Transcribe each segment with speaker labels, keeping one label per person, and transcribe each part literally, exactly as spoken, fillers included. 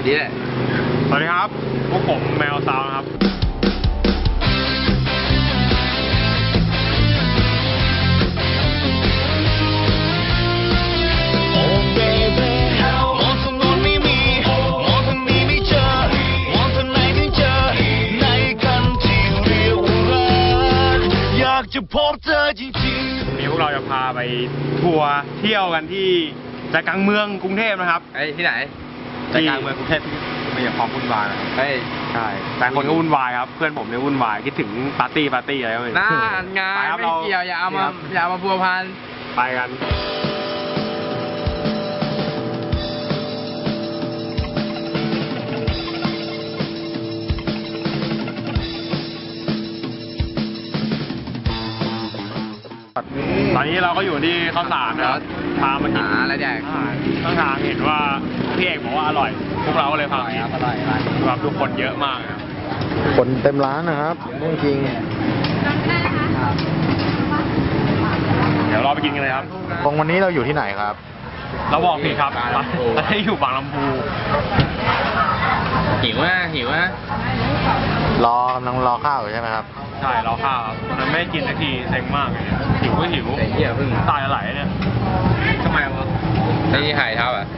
Speaker 1: นี้แหละ
Speaker 2: สวัสดีครับพวกผมแมวซาวนะครับ
Speaker 3: จะพบเธอจริงๆ
Speaker 2: วันนี้พวกเราจะพาไปทัวร์เที่ยวกันที่ใจกลางเมืองกรุงเทพนะครับ
Speaker 1: ไอ้ที่ไหน
Speaker 2: ใจกลางเมืองกรุงเทพไม่อยากความวุ่นวายนะครับ
Speaker 1: เฮ้ย
Speaker 2: ใช่แต่คนก็วุ่นวายครับเพื่อนผมเนี่ยวุ่นวายคิดถึงปาร์ตี้ปาร์ตี้อะไรก็ไม่รู้
Speaker 1: น่างานไม่เกี่ยวอย่าเอามาอย่าเอามาพัวพัน
Speaker 2: ไปกันตอนนี้เราก็อยู่ที่ข้าวสารนะครับพามากิน
Speaker 1: อะไรแดก
Speaker 2: ข้างทางเห็นว่าพี่เอกบอกว่าอร่อยพวกเราก็เลยพาไป
Speaker 1: อร่อย
Speaker 2: ครับทุกคนเยอะมากครับ
Speaker 4: คนเต็มร้านนะครับจริง
Speaker 2: เดี๋ยวเราไปกินกันเลยครับ
Speaker 4: ตรงวันนี้เราอยู่ที่ไหนครับ
Speaker 2: เราบอกผิดครับเราได้อยู่บางลำพู
Speaker 1: หิวอ่ะหิวอ่ะ
Speaker 4: รอกำลังรอข้าวอยู่ใช่ไหมครับ
Speaker 2: ใช่รอข้าวครับมันไม่ได้กินสักทีเซ็งมากเลยหิวก็หิว
Speaker 1: เหี้ยเพิ่ง
Speaker 2: ตายอะไรเนี่ยทำไมวะ
Speaker 1: ไอ้ที่หายเท้าอ่ะ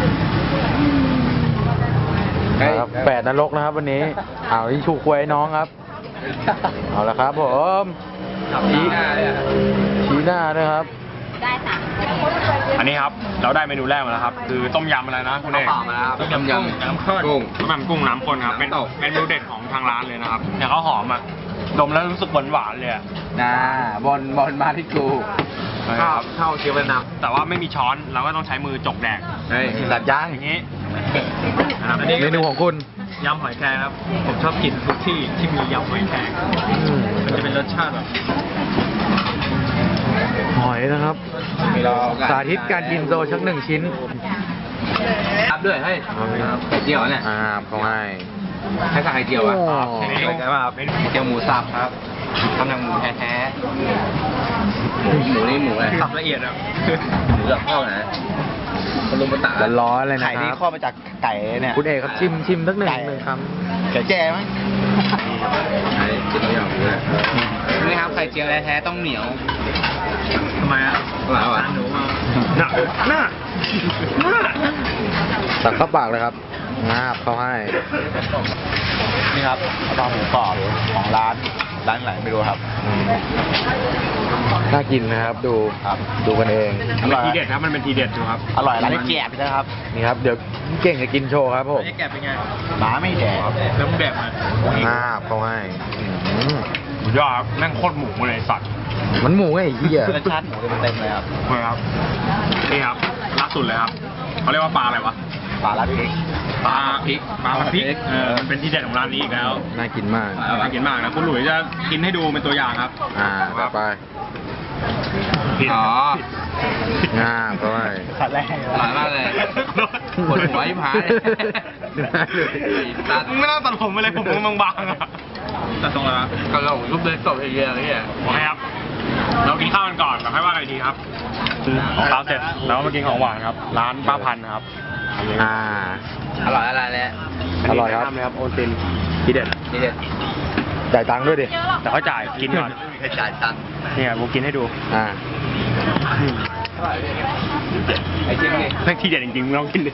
Speaker 4: แปดนรกนะครับวันนี้เอาที่ชูควยน้องครับเอาละครับผมชี้หน้าชี้หน้าด้วยครับ
Speaker 5: ได้ค่ะ
Speaker 2: อันนี้ครับเราได้เมนูแรกมาแล้วครับคือต้มยำอะไรนะคุณเอก
Speaker 1: ต้มยำยำ
Speaker 2: น้ำข้นกุ้งต้มยำกุ้งน้ำข้นครับเป็นเป็นเมนูเด็ดของทางร้านเลยนะครับเนี่ยเขาหอมอ่ะดมแล้วรู้สึกหวานหวานเลย
Speaker 1: นะบอลบอลมาที่กู
Speaker 2: ข้าวข้าวเคี้ยวเป็นน้ำแต่ว่าไม่มีช้อนเราก็ต้องใช้มือจกแดก
Speaker 1: เฮ้ย
Speaker 4: สัตว์ย่าง
Speaker 2: อย่างนี้
Speaker 4: เมนูของคุณ
Speaker 2: ยำหอยแครงครับผมชอบกินทุกที่ที่มียำหอยแครงมันจะเป็นรสชาติแบบ
Speaker 4: หอยนะครับสาธิตการกินโซชักหนึ่งชิ้น
Speaker 1: ครับด้วยให้ไข่เจียวเนี่ย
Speaker 4: อ่าเขาให้
Speaker 1: ให้สั่งไข่เจียวอ่ะ
Speaker 2: ใช่ไหมครับ
Speaker 1: ไข่เจียวหมูสับครับทำจากหมูแท้ๆหมูนี่หมูอะไร
Speaker 2: สับละเอียดอ่ะ
Speaker 1: หมูแบบข้าวนะคนลุมมาตัด
Speaker 4: ร้อนเลยนะ
Speaker 1: ไข่นี่ข้อมาจากไก่เนี่ย
Speaker 4: คุณเอกครับชิมชิมสักหนึ่งหนึ่งคำ
Speaker 1: ไก่แจ้มั้ยไข่เจียวอย่างนี้นี่ครับไข่เจียวแท้ๆต้องเหนียว
Speaker 2: ทำไมอ่ะ
Speaker 1: อร่อยว่ะ
Speaker 2: หน้าหน้าหน้า
Speaker 4: ตักเข้าปากเลยครับงาบเขาให้
Speaker 1: นี่ครับข้าวหมูกรอบของร้านร้านไหนไม่รู้ครับ
Speaker 4: น่ากินนะครับดู
Speaker 1: ครับ
Speaker 4: ดูกันเอง
Speaker 2: มันทีเด็ดครับมันเป็นทีเด็ดดูครับ
Speaker 1: อร่อยร้านแกะนะครับ
Speaker 4: นี่ครับเดี๋ยวเก่งจะกินโชว์ครับผม
Speaker 2: แกะเป็นไง
Speaker 1: หมาไม่แดก
Speaker 2: แล้วมึงแดกมาง
Speaker 4: าบเขาให้
Speaker 2: สุดยอดครับแม่งโคตรหมูเลยสัตว์
Speaker 4: มันหมูไอ้เหี้ย
Speaker 1: รสชาติหมูเต็มเลยครับ
Speaker 2: ใช่ครับนี่ครับล่าสุดเลยครับเขาเรียกว่าปลาอะไรวะ
Speaker 1: ปลาลาดพริก
Speaker 2: ปลาพริกปลาพริกเออมันเป็นที่เด็ดของร้านนี้อีกแล้ว
Speaker 4: น่ากินมาก
Speaker 2: น่ากินมากนะคุณหลุยจะกินให้ดูเป็นตัวอย่างครับ
Speaker 4: อ่าต่อไป
Speaker 1: อ๋
Speaker 4: องาบเขาให้
Speaker 1: ขัดแรกหลายมากเลยปวดหัวยิ่งหาย
Speaker 2: ตัดไม่น่าตัดผมไปเลยผมมันบางๆอะตัดตรงแล้ว
Speaker 1: ก็ลงรูปเลยตบเฮียนี่
Speaker 2: โอเคครับเรากินข้าวกันก่อนแล้วค่อยว่ากันอีกทีครับของเราเสร็จแล้วมากินของหวานครับร้านป้าพันนะครับ
Speaker 4: อ่า
Speaker 1: อร่อยอะไรเนี่ย
Speaker 4: อร่อยครับ
Speaker 2: เลยครับโอนตินทีเด็ด
Speaker 1: ทีเด็ด
Speaker 4: จ่ายตังค์ด้วยดิ
Speaker 2: แต่เขาจ่ายกินก่อน
Speaker 1: ให้จ่ายตังค์
Speaker 2: เนี่ยผมกินให้ดู
Speaker 4: อ่า
Speaker 1: ไอ้จริงดิ
Speaker 2: ไม่ทีเด็ดจริงๆลองกินดิ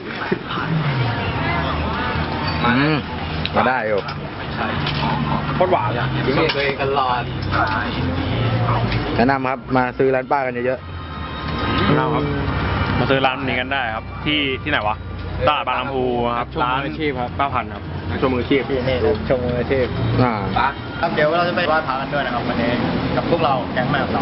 Speaker 4: อืมมาได้อยู่
Speaker 2: โคตรหวานเลย
Speaker 1: กินตัวเองตลอด
Speaker 4: แนะนำครับมาซื้อร้านป้ากันเยอะ
Speaker 2: ๆครับมาซื้อร้านนี้กันได้ครับที่ที่ไหนวะตลาดบางลำพูครับร้านอาชีพครับป้าพันครับชมมืออาชีพ
Speaker 1: นี่ชมมืออาชีพ
Speaker 4: อ่า
Speaker 1: ครับเดี๋ยวเราจะไปไหว้พระกันด้วยนะครับวันนี้กับพวกเราแก๊งแม่เรา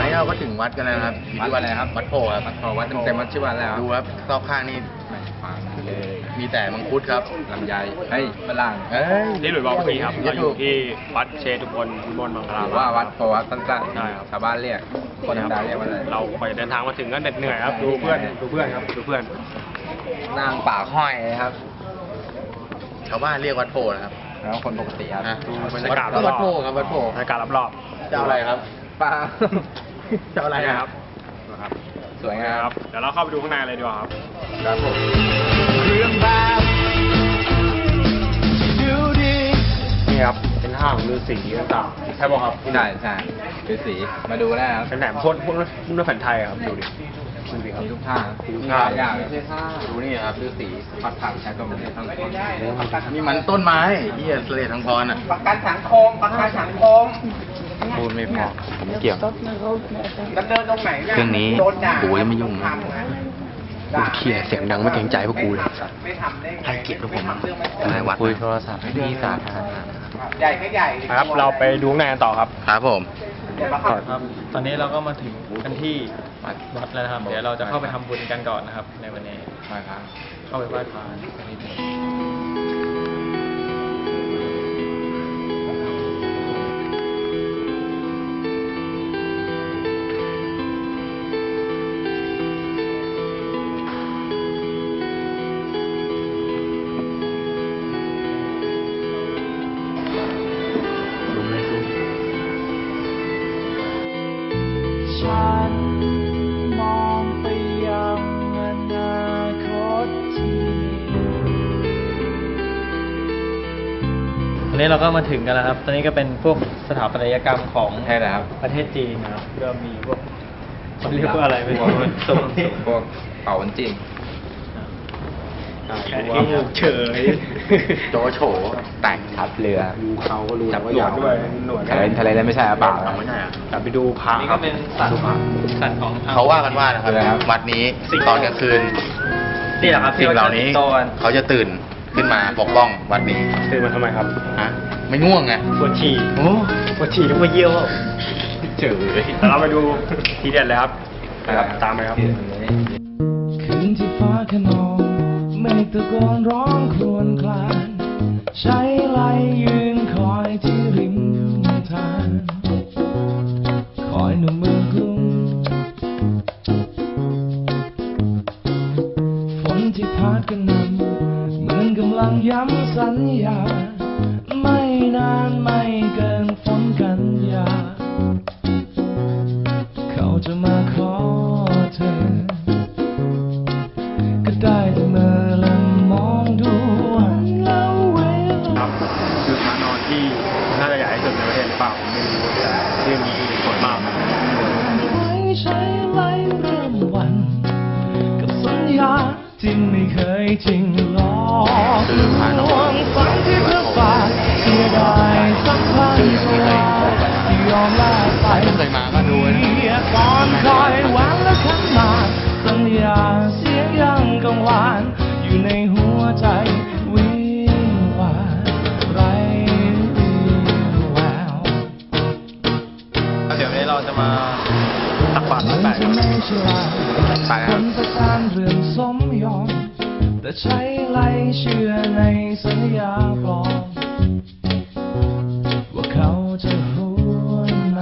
Speaker 1: วัดกันแล้วครับวัดอะไรครับวัดโพครับวัดโพวัดเต็มๆวัดชื่อวัดแล้วดูครับรอบข้างนี่
Speaker 4: มีแต่มังคุดครับ
Speaker 1: ลำไยเฮ้ยฝรั่ง
Speaker 4: เอ้ย
Speaker 2: นี่หลุยส์บอกพี่ครับ เราอยู่ที่วัดเชตุพนวิมลมังค
Speaker 1: ห
Speaker 2: ลา
Speaker 1: รือว่าวัดโพวัดสั้นๆ
Speaker 2: ใช่ครับ
Speaker 1: ชาวบ้านเรียก คนธรรมดาเรียกว่าอะไร
Speaker 2: เราไปเดินทางมาถึงก็เหน็ดเหนื่อยครับ ดูเพื่อน ดูเพื่อนครับ ดูเพื่อน
Speaker 1: นางป่าห้อยครับ
Speaker 4: ชาวบ้านเรียกวัดโพนะครับ
Speaker 1: แล้วคนปกติครับ
Speaker 4: อ่ะ
Speaker 2: ดูบรรยากาศร
Speaker 4: วั
Speaker 2: อ
Speaker 4: ด
Speaker 2: บ
Speaker 4: โพครับวัดโพ
Speaker 2: ๆบรรยากาศรอบ
Speaker 4: จะเอาอะไรครับ
Speaker 1: ป่า
Speaker 4: จะเอาอะไร
Speaker 2: ๆ
Speaker 4: ค
Speaker 2: ค
Speaker 4: รั
Speaker 2: รั
Speaker 4: บบ
Speaker 2: นะครับ
Speaker 1: สวยงาม
Speaker 2: ครับ เดี๋ยวเราเข้าไปดูข้างในเลยดีกว่าครับ
Speaker 1: ครับผม
Speaker 3: เรื่องแบบที่ดูดี
Speaker 2: นี่ครับ เป็นห้างฤาษีต่างๆใช่ป่ะครับ
Speaker 1: ใช่ใช่คือสีมาดูได้ครับ
Speaker 2: เป็นแหนมพ่นพ่นพ่นแผ่นไทยอะครับ ดูดิ ดูดิครับ
Speaker 1: มีทุกท่า
Speaker 2: มีทุก
Speaker 1: มี
Speaker 2: ท่า
Speaker 1: หลายอย่างไม่ใช่ท่า
Speaker 4: ดูนี่ครับฤาษี
Speaker 1: ผัดผักใช้ตัวมันทั้งคน
Speaker 4: นี่มันต้นไม้ที่เสลดทางพรอ่ะ
Speaker 1: ประกันสังคมประกันสังคม
Speaker 4: พูดไม่พอผมเกี่ยว
Speaker 1: ดำเนินตรงไหนเนี่ย
Speaker 4: เครื่องนี้
Speaker 1: โดด่า
Speaker 4: กูยังไม่ยุ่งนะ
Speaker 1: ทำนะ
Speaker 4: กูเคลียร์เสียงดังไม่เกรงใจพวกกูเลย
Speaker 1: ไม่ทำได้ไง
Speaker 4: ให้เกียรติพวกผมนายวัดคุยโทรศัพท์ที่สาธารณะ
Speaker 1: ใหญ่ก็ใหญ่
Speaker 2: ครับ เราไปดูข้างในกันต่อครับ
Speaker 4: ครับผม
Speaker 5: ครับ ตอนนี้เราก็มาถึงกันที่วัดแล้วนะครับ เดี๋ยวเราจะเข้าไปทำบุญกันก่อนนะครับ ในวันนี้
Speaker 1: มาครับ
Speaker 5: เข้าไปไหว้พระสักนิดหนึ่ง
Speaker 4: ซูมเลยซูม
Speaker 3: ฉันมองไปยังอนาคตที่มี
Speaker 5: วันนี้เราก็มาถึงกันแล้วครับ ตอนนี้ก็เป็นพวกสถาปัตยกรรมของ
Speaker 1: ใช่แล้วครับ
Speaker 5: ประเทศจีนนะครับก็มีพวกเขาเรียกว่าอะไรไม่รู้
Speaker 1: สมพวกเป่าวันจีน
Speaker 5: แค่นี้เฉย
Speaker 4: โจโฉแต่ง
Speaker 1: ทับเรือ
Speaker 2: ดูเขาก็รู้
Speaker 1: จับ
Speaker 2: ว่า
Speaker 1: หนว
Speaker 2: ยา
Speaker 1: ด
Speaker 2: ว
Speaker 1: ด้วยหนวดทะเลทะเลนั้นไม่ใช่อาเปล่า
Speaker 4: เอาไม่ใช่อ่ะ
Speaker 2: แต่ไปดูพระ
Speaker 5: นี่
Speaker 2: ครั
Speaker 5: ก็
Speaker 2: บ
Speaker 5: เป็นสัตว์สัตว์ของทง
Speaker 4: เขาว่ากันว่านะครับ
Speaker 1: อะไรครับ
Speaker 4: วัดนี้ตอนกลางคืน
Speaker 5: นี่แหละครับ
Speaker 4: สิ่งเหล่านี้
Speaker 5: ที่รจะติดต่อกัน
Speaker 4: เขาจะตื่นขึ้นมาปกป้องวัดนี้
Speaker 2: ตื่นมาทำไมครับ
Speaker 4: ฮะไม่ง่วงไง
Speaker 5: ปวดฉี่
Speaker 4: โอ้
Speaker 5: ปวดฉี่ต้องมาเยี่ยว
Speaker 4: เจ๋อ
Speaker 2: แต่เราไปดูทีเด็ดเลยครับนะครับ ตามไปครับ
Speaker 3: คืนที่ฟ้าขนองเมฆตะโกนร้องครวญครางใช้ไหลยืนคอยที่ริมทางคอยหนุ่มเมืองกรุงฝนที่พัดกระหน่ำเหมือนกำลังย้ำสัญญา ไม่นานไม่เกินฝนกันยา เขาจะมาขอเธอ ก็ได้แต่เมื่อและมองดูวันแล้วเวลา
Speaker 2: ครับคือพระนอนที่น่าจะใหญ่ที่สุดในประเทศหรือเปล่าผมไม่รู้แต่ที่มีผลมาก
Speaker 3: ไม่ใช่ไล่เริ่มวัน กับสัญญาที่ไม่เคยจริงหลอกลวงฝันที่เพื่อฝากเสียดายสักพันตัวที่ยอมลาไป
Speaker 4: ไม่เคยมาก็ดูนะ
Speaker 3: เสียก่อนคอยหวันและขันมาสัญญาเสียงยังกังวานอยู่ในหัวใจวิงวานไรวี่แวว
Speaker 5: เดี๋ยววันนี้เราจะมาตักบาตรร้อยแปด
Speaker 3: จะ
Speaker 5: ครับ
Speaker 3: ไม่ฉลาด
Speaker 2: ไปค
Speaker 3: ครับ นประการเรื่องสมยอม แต่ใช้ไล่เชื่อในสัญญาปลอมว่าเขาจะหวนมา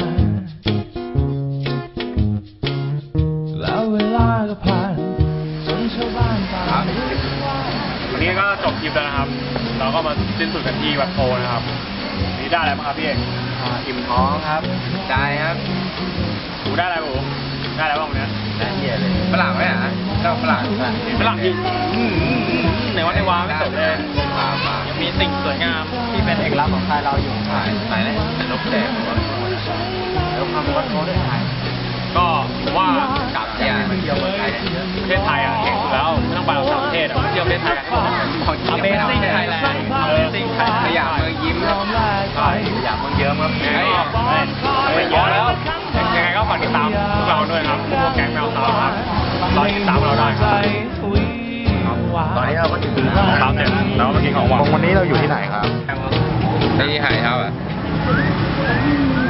Speaker 3: แล้วเวลาก็ผ่านจนชาวบ้านต่างรู้ว่า
Speaker 2: วันนี้ก็จบคลิปแล้วนะครับ เราก็มาสิ้นสุดกันที่วัดโพนะครับวันนี่ได้อะไรบ้างครับพี่เอก
Speaker 1: อิ่มท้องครับใจครับ
Speaker 2: ถูได้อะไรบ้างผมได้อะไรบ้างวันเนี้ย
Speaker 1: ได้เหี้ยเลยฝรั่งไหมอ่ะเจ้าฝรั่งฝรั่ง
Speaker 2: ฝรั่งที่อืมอืมอืมในวัดในวาไม่จบเลย
Speaker 1: ปลาปลา
Speaker 5: ยังมีสิ่งสวยงามที่เป็นเอกลักษณ์ของไทยเราอยู่
Speaker 1: ถ่ายถ่ายเลยแต่นกแดงแล้วความวัดโพด้วยถ่าย
Speaker 2: ก็ผมว่า
Speaker 1: กลับเนี่ยมาเที่ยวเมืองไทยเนี่ย
Speaker 2: ประเทศไทยอ่ะเก่งสุดแล้วไม่ต้องไปเราต่างประเทศอ่ะเที่ยวประเทศไทยกัน
Speaker 5: Amazing Thailand Amazing
Speaker 1: ข
Speaker 5: Thailand
Speaker 1: ยะเมืองยิ้มครับใช่ขยะเมืองเยิ้มครับ
Speaker 2: ยังไงก็ไปเยอะแล้วยังไงก็ฝากติดตามพวกเราด้วยนะครับพวกแก๊งแมวสาวครับรอติดตามเราได้ครับ
Speaker 4: ตอนนี้เราก็ถึง
Speaker 2: ตามเสร็จแล้วก็มากินของหวาน
Speaker 4: วันนี้เราอยู่ที่ไหนครับ
Speaker 1: ที่หายเท้าอ่ะ